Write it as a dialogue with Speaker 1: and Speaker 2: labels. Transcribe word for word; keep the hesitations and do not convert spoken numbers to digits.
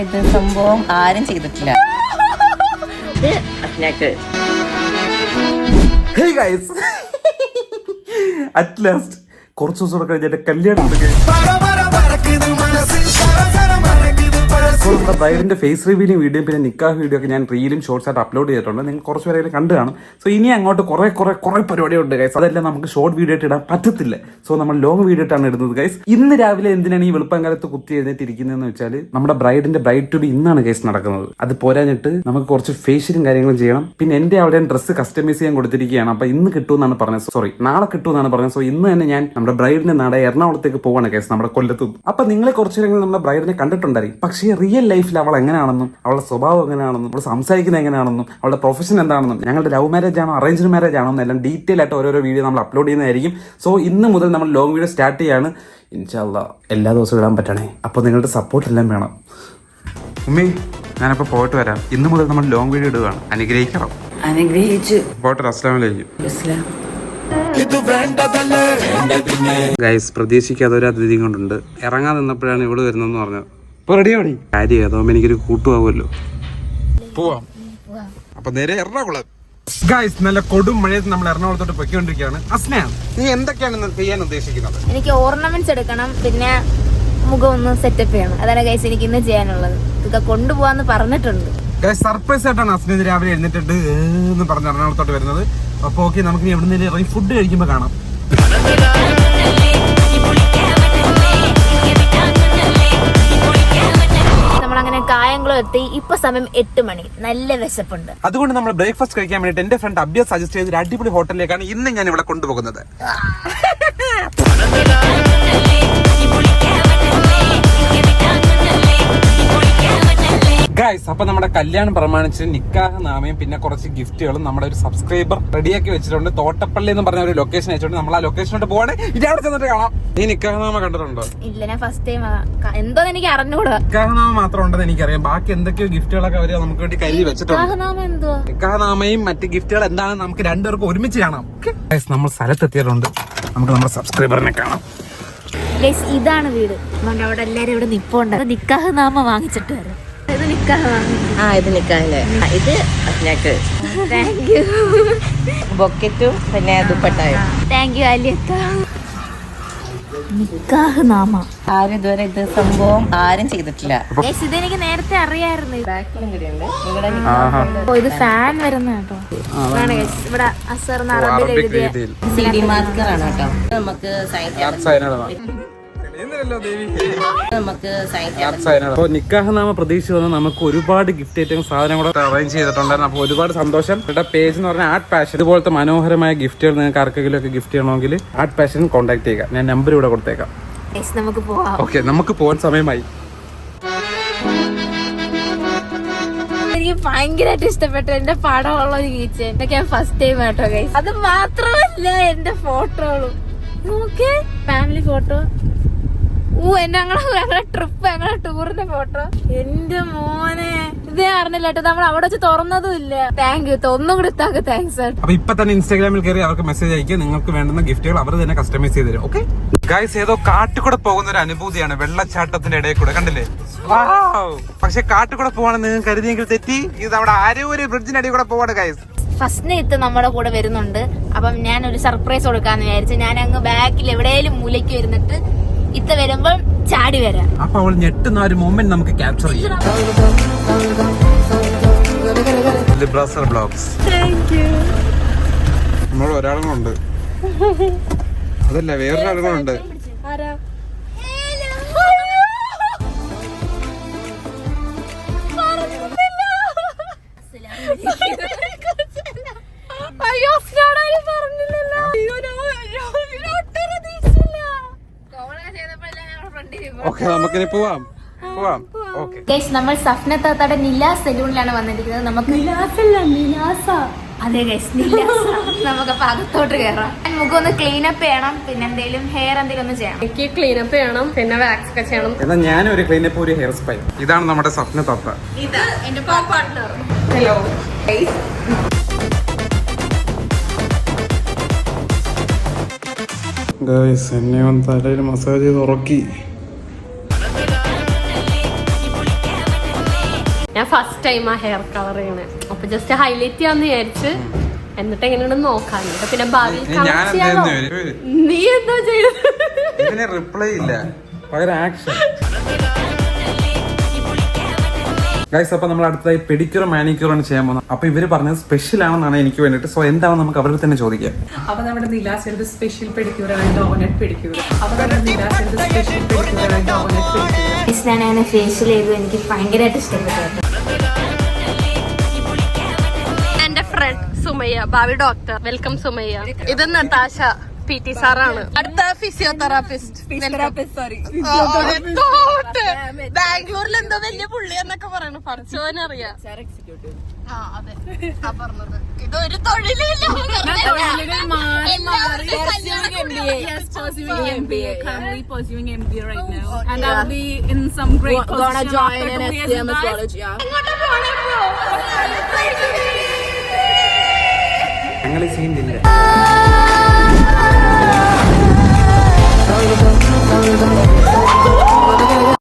Speaker 1: ഇത് സംഭവം ആരും ചെയ്തിട്ടില്ല.
Speaker 2: Hey guys, at last കുറച്ച് ദിവസം കഴിഞ്ഞ കല്യാണം നമ്മുടെ ബ്രൈഡിന്റെ ഫേസ് റിവ്യൂലും വീഡിയോ പിന്നെ നിക്കാഹ് വീഡിയോ ഒക്കെ ഞാൻ റീലും ഷോർട്സ് ആയിട്ട് അപ്ലോഡ് ചെയ്തിട്ടുണ്ട്. നിങ്ങൾ കുറച്ച് പേരെ കണ്ടു കാണും. സോ ഇനി അങ്ങോട്ട് കുറെ കുറെ കുറെ പരിപാടിയുണ്ട് ഗൈസ്. അതെല്ലാം നമുക്ക് ഷോർട്ട് വീഡിയോ ആയിട്ട് ഇടാൻ പറ്റത്തില്ല. സോ നമ്മൾ ലോങ് വീഡിയോ ആയിട്ടാണ് ഇടുന്നത് ഗൈസ്. ഇന്ന് രാവിലെ എന്തിനാണ് ഈ വെളുപ്പം കാലത്ത് കുത്തി എഴുന്നേറ്റിരിക്കുന്നതെന്ന് വെച്ചാൽ നമ്മുടെ ബ്രൈഡിന്റെ ബ്രൈഡ് ടു ബി ഇന്നാണ് ഗൈസ് നടക്കുന്നത്. അത് പോരാഞ്ഞിട്ട് നമുക്ക് കുറച്ച് ഫേഷ്യലും കാര്യങ്ങളും ചെയ്യണം. പിന്നെ എന്റെ അവിടെ ഡ്രസ്സ് കസ്റ്റമൈസ് ചെയ്യാൻ കൊടുത്തിരിക്കുകയാണ്. അപ്പൊ ഇന്ന് കിട്ടുമെന്നാണ് പറഞ്ഞത്. സോറി നാളെ കിട്ടുമെന്നാണ് പറഞ്ഞത്. സോ ഇന്ന് തന്നെ ഞാൻ നമ്മുടെ ബ്രൈഡിന്റെ നാടെ എറണാകുളത്തേക്ക് പോവാണ് ഗൈസ്, നമ്മുടെ കൊല്ലത്ത്. അപ്പൊ നിങ്ങളെ കുറച്ച് നേരങ്ങൾ നമ്മുടെ ബ്രൈഡിനെ കണ്ടിട്ടുണ്ടായിരിക്കും. പക്ഷേ റിയൽ ലൈഫിൽ അവൾ എങ്ങനെയാണെന്നും അവളുടെ സ്വഭാവം എങ്ങനെയാണെന്നും അവൾ സംസാരിക്കുന്നത് എങ്ങനെയാണെന്നും അവളുടെ പ്രൊഫഷൻ എന്താണെന്നും ഞങ്ങളുടെ ലവ് മാരേജ് ആണോ അറേഞ്ച്ഡ് മാരേജ് ആണോ എന്നെല്ലാം ഡീറ്റെയിൽ ആയിട്ട് ഓരോരോ വീഡിയോ നമ്മൾ അപ്ലോഡ് ചെയ്യുന്നതായിരിക്കും. സോ ഇന്ന് മുതൽ നമ്മൾ ലോങ് വീഡിയോ സ്റ്റാർട്ട് ചെയ്യാണ്. ഇൻഷാ അല്ലാ എല്ലാ ദിവസവും ഇടാൻ പറ്റണേ. അപ്പോൾ നിങ്ങളുടെ സപ്പോർട്ട് എല്ലാം വേണം. ഉമ്മി ഞാനപ്പോൾ പോയിട്ട് വരാം. ഇന്ന് മുതൽ നമ്മൾ ലോങ് വീഡിയോ ഇടുകയാണ്. അനുഗ്രഹിക്കണം.
Speaker 1: അനുഗ്രഹിച്ചു
Speaker 2: പോട്ടെ. അസ്സലാമു അലൈക്കും.
Speaker 1: ഇസ്ലാം.
Speaker 2: ഗൈസ് പ്രതീക്ഷിക്കാതെ ഒരു അതിഥി കൊണ്ടുണ്ട്. ഇറങ്ങാൻ നിന്നപ്പോഴാണ് ഇവിടെ വരുന്നതെന്ന് പറഞ്ഞത്. ഇപ്പൊ റെഡിയാവണി കാര്യം അതാവുമ്പോ എനിക്കൊരു കൂട്ടുപോകുമല്ലോ. പോവാം. അപ്പൊ നേരെ എറണാകുളം. ഗൈസ് നല്ല കൊടും മഴയത്ത് നമ്മൾ എറണാകുളത്തോട്ട് പൊയ്ക്കൊണ്ടിരിക്കുകയാണ്. അസ്ന നീ എന്തൊക്കെയാണ് ചെയ്യാൻ ഉദ്ദേശിക്കുന്നത്?
Speaker 3: എനിക്ക് ഓർണമെന്റ്സ് എടുക്കണം, പിന്നെ മുഖം ഒന്ന് സെറ്റപ്പ് ചെയ്യണം. അതാണ് ഗൈസ് എനിക്ക് ഇന്ന് ചെയ്യാനുള്ളത്. ഇതൊക്കെ കൊണ്ടുപോവാന്ന് പറഞ്ഞിട്ടുണ്ട്.
Speaker 2: ഗൈസ് സർപ്രൈസ് ആയിട്ടാണ് അസ്ന ഇത് രാവിലെ എഴുന്നേറ്റിട്ട് എന്ന് പറഞ്ഞ് എറണാകുളത്തോട്ട് വരുന്നത്. അപ്പൊ ഓക്കെ, നമുക്ക് എവിടെ നിന്ന് ഇറങ്ങി ഫുഡ് കഴിക്കുമ്പോ കാണാം.
Speaker 3: നമ്മളങ്ങനെ കായംകുളം എത്തി. ഇപ്പൊ സമയം എട്ട് മണി. നല്ല വിശപ്പുണ്ട്.
Speaker 2: അതുകൊണ്ട് നമ്മൾ ബ്രേക്ക്ഫാസ്റ്റ് കഴിക്കാൻ വേണ്ടിട്ട് എന്റെ ഫ്രണ്ട് അബ്യ സജസ്റ്റ് ചെയ്ത ഒരു അടിപൊളി ഹോട്ടലിലേക്കാണ് ഇന്ന് ഞാൻ ഇവിടെ കൊണ്ടുപോകുന്നത്. ഗൈസ് അപ്പൊ നമ്മുടെ കല്യാണം പ്രമാണിച്ച് നിക്കാഹ് നാമയും പിന്നെ കുറച്ച് ഗിഫ്റ്റുകളും നമ്മുടെ ഒരു സബ്സ്ക്രൈബർ റെഡിയാക്കി വെച്ചിട്ടുണ്ട്. തോട്ടപ്പള്ളി എന്ന് പറഞ്ഞ ഒരു ലൊക്കേഷൻ അയച്ചിട്ടുണ്ട്. നമ്മൾ ആ ലൊക്കേഷനോട്ട് പോവാണ്. ഇനി അവിടെ ചെന്നിട്ട് കാണാം. നീ നിക്കാഹ് നാമ കണ്ടിട്ടുണ്ടോ?
Speaker 3: ഇല്ല, ഞാൻ ഫസ്റ്റ് ടൈം. എന്തോ എനിക്ക് അറിഞ്ഞൂടാ.
Speaker 2: നിക്കാഹ് നാമ മാത്രം ഉണ്ടെന്ന് എനിക്കറിയാം. ബാക്കി എന്തൊക്കെയോ ഗിഫ്റ്റുകളൊക്കെ അവര് നമുക്ക് വേണ്ടി കയ്യിൽ വെച്ചിട്ടുണ്ട്. നിക്കാഹ് നാമയും മറ്റ് ഗിഫ്റ്റുകൾ എന്താണെന്ന് നമുക്ക് രണ്ടുപേർക്കും ഒരുമിച്ച് കാണാം. ഗൈസ് നമ്മൾ സ്ഥലത്തെത്തിയിട്ടുണ്ട്. നമുക്ക് നമ്മുടെ സബ്സ്ക്രൈബറിനെ കാണാം.
Speaker 3: ഇതാണ് വീട്. അവിടെ എല്ലാരും ഇവിടെ നിപ്പുണ്ട്. നിക്കാഹ് നാമ വാങ്ങിച്ചിട്ട് വരാം. ഇത് നിക്കാഹ്
Speaker 1: ആ ഇത് നിക്കാഹല്ലേ. ഇത് അസ്നക്ക്
Speaker 3: താങ്ക് യു.
Speaker 1: ബൊക്കറ്റും പിന്നെ ദുപ്പട്ടായും.
Speaker 3: Thank you അലിയക്ക. നിക്കാഹ് നാമ
Speaker 1: ആരും ഇതുവരെ ഇത് സംഭവം ആരും ചെയ്തിട്ടില്ല.
Speaker 3: ഇതെനിക്ക് നേരത്തെ അറിയായിരുന്നു.
Speaker 1: ബാക്കിലും കൂടിയുണ്ട്. ഇവിടെ
Speaker 3: ഓ ഇത് ഫാൻ വരുന്ന കേട്ടോ. ഇവിടെ അസർ അറബിൽ എഴുതിയ
Speaker 1: സി ഡി മാർക്കർ ആണ് കേട്ടോ. നമുക്ക്
Speaker 2: അപ്പോൾ നിക്കാഹ് നാമ പ്രതീക്ഷിച്ച് വന്ന് നമുക്ക് ഒരുപാട് ഗിഫ്റ്റ് ഐറ്റം സാധനങ്ങൾ അറേഞ്ച് ചെയ്തിട്ടുണ്ടായിരുന്നു. അപ്പോൾ ഒരുപാട് സന്തോഷം. ഇവിടെ പേജ് എന്ന് പറഞ്ഞാൽ ആർട്ട് പാഷൻ. ഇതുപോലത്തെ മനോഹരമായ ഗിഫ്റ്റുകൾ നിങ്ങൾക്ക് ആർക്കെങ്കിലും ഒക്കെ ഗിഫ്റ്റ് ചെയ്യണമെങ്കിൽ ആർട്ട് പാഷൻ കോൺടാക്ട് ചെയ്യുക. ഞാൻ നമ്പർ ഇവിടെ കൊടുത്തേക്കാം.
Speaker 3: നമുക്ക് പോവാം.
Speaker 2: ഓക്കെ, നമുക്ക് പോകാൻ സമയമായി.
Speaker 3: എനിക്ക് ഭയങ്കരമായിട്ട് ഇഷ്ടപ്പെട്ടു എന്റെ പടമുള്ള ഒരു കീച്ചൻ. ഇതൊക്കെ ഞാൻ ഫസ്റ്റ് ടൈം കേട്ടോ ഗൈസ്. അത് മാത്രമല്ല എന്റെ ഫോട്ടോകളും നോക്കേ. Family photo. ഓ എന്റെ ഞങ്ങളെ ട്രിപ്പ് ഞങ്ങളെ ടൂറിന്റെ ഫോട്ടോ. എന്റെ മോനെ ഇതേ അറിഞ്ഞില്ല കേട്ടോ. നമ്മൾ അവിടെ വെച്ച് തുറന്നതും ഇല്ല. Thank you. ഒന്നും കൂടി താങ്ക് താങ്ക്സ്.
Speaker 2: അപ്പൊ ഇപ്പൊ തന്നെ ഇൻസ്റ്റാഗ്രാമിൽ കയറി അവർക്ക് മെസ്സേജ് അയക്കുക. നിങ്ങൾക്ക് വേണ്ടുന്ന ഗിഫ്റ്റുകൾ അവർ തന്നെ കസ്റ്റമൈസ് ചെയ്ത് തരും. ഓക്കെ ഗൈസ്, ഏതോ കാട്ടിക്കൂടെ പോകുന്ന ഒരു അനുഭൂതിയാണ് വെള്ളച്ചാട്ടത്തിന്റെ ഇടയിൽ കൂടെ. കണ്ടില്ലേ? പക്ഷെ കാട്ടിക്കൂടെ പോവാണെന്ന് നിങ്ങൾ കരുതിയെങ്കിൽ തെറ്റി. ഇത് അവിടെ ആരോ ഒരു ബ്രിഡ്ജിന്റെ അടിയിൽ കൂടെ പോവാണ് ഗൈസ്.
Speaker 3: ഫസ്റ്റ് ഇത്ത് നമ്മുടെ കൂടെ വരുന്നുണ്ട്. അപ്പം ഞാൻ ഒരു സർപ്രൈസ് കൊടുക്കാന്ന് വിചാരിച്ചു. ഞാൻ അങ്ങ് ബാക്കിൽ എവിടെയെങ്കിലും മൂലയ്ക്ക് വരുന്നിട്ട് ഇത്ത വരുമ്പോൾ ചാടി വരാം.
Speaker 2: അപ്പൊ അവൾ ഞെട്ടുന്ന ഒരു മൊമെന്റ് നമുക്ക് ക്യാപ്ചർ ചെയ്യാം. നമ്മൾ ഒരാളും കൊണ്ട് അതല്ല വേറൊരാളും കൊണ്ട്. ഓക്കെ നമുക്കിനി പോവാം പോവാം ഓക്കെ
Speaker 3: ഗയ്സ്, നമ്മൾ സഫ്ന താത്തയുടെ നിലാസ് സലൂണിലാണ് വന്നിരിക്കുന്നത്. നമുക്ക് അതെ ഗയ്സ്, നിലാസ്. നമുക്ക് അപ്പൊ അകത്തോട്ട് കയറാം. മുഖം ഒന്ന് ക്ലീൻ അപ്പ് ചെയ്യണം. പിന്നെ എന്തെങ്കിലും ഹെയർ എന്തെങ്കിലും ഒന്ന് ചെയ്യണം.
Speaker 4: എനിക്ക് ക്ലീൻ അപ്പ് ചെയ്യണം, പിന്നെ വാക്സ് ഒക്കെ ചെയ്യണം.
Speaker 2: എന്നാ ഞാൻ ഒരു ക്ലീൻ അപ്പ് ഒരു ഹെയർ സ്പൈ. ഇതാണ് നമ്മുടെ സഫ്ന താത്ത.
Speaker 3: ഇത് എന്റെ പാർട്ട്ണർ.
Speaker 4: ഹലോ
Speaker 2: ഗയ്സ്, എന്നെ വന്ന് തലയിൽ മസാജ് ചെയ്ത് ഉറക്കി.
Speaker 4: ഞാൻ ഫസ്റ്റ് ടൈം ആ ഹെയർ കളർ ചെയ്യണേ, അപ്പൊ ജസ്റ്റ് ഹൈലൈറ്റ് ചെയ്യാന്ന് വിചാരിച്ച് എന്നിട്ട് എങ്ങനെയുണ്ടെന്ന് നോക്കാൻ. പിന്നെ ഭാവിയിൽ colour ചെയ്യാലോ. നീ എന്താ ചെയ്തത്?
Speaker 2: റിപ്ലൈ ഇല്ല, പകരം ആക്ഷൻ. ഗൈസ്, അപ്പൊ നമ്മൾ അടുത്തതായി പെഡിക്യൂർ മാനിക്യൂർ ആണ് ചെയ്യാൻ പോകുന്നത്. അപ്പൊ ഇവര് പറഞ്ഞത് സ്പെഷ്യൽ ആണെന്നാണ് എനിക്ക് വേണ്ടിട്ട്. സോ എന്താണെന്ന് നമുക്ക് അവരുടെ തന്നെ ചോദിക്കാം.
Speaker 5: അപ്പൊ നമ്മുടെ നിലാസിന്റെ സ്പെഷ്യൽ പെഡിക്യൂർ ആണ് ഡോഗനെറ്റ് പെഡിക്യൂർ. അപ്പൊ നമ്മുടെ നിലാസിന്റെ സ്പെഷ്യൽ പെഡിക്യൂർ ആണ് ഡോഗനെറ്റ് പെഡിക്യൂർ.
Speaker 3: ഞാൻ അങ്ങനെ ഫേഷ്യൽ ചെയ്തു, എനിക്ക് ഭയങ്കരമായിട്ട് ഇഷ്ടപ്പെട്ടു.
Speaker 4: എന്റെ ഫ്രണ്ട് സുമയ്യ, ഭാവി ഡോക്ടർ. വെൽക്കം സുമയ്യ. ഇത് നതാശ, പി ടി സാറാണ്. അടുത്ത ഫിസിയോതെറാപ്പിസ്റ്റ്. ബാംഗ്ലൂരിൽ എന്തോ വലിയ പുള്ളി എന്നൊക്കെ പറയണു, പഠിച്ചവനറിയാം. ആ അതെ, ആ പറഞ്ഞത്. ഇതൊരു തൊഴിലില്ല.
Speaker 2: ഞങ്ങൾ ചെയ്യുന്നില്ല.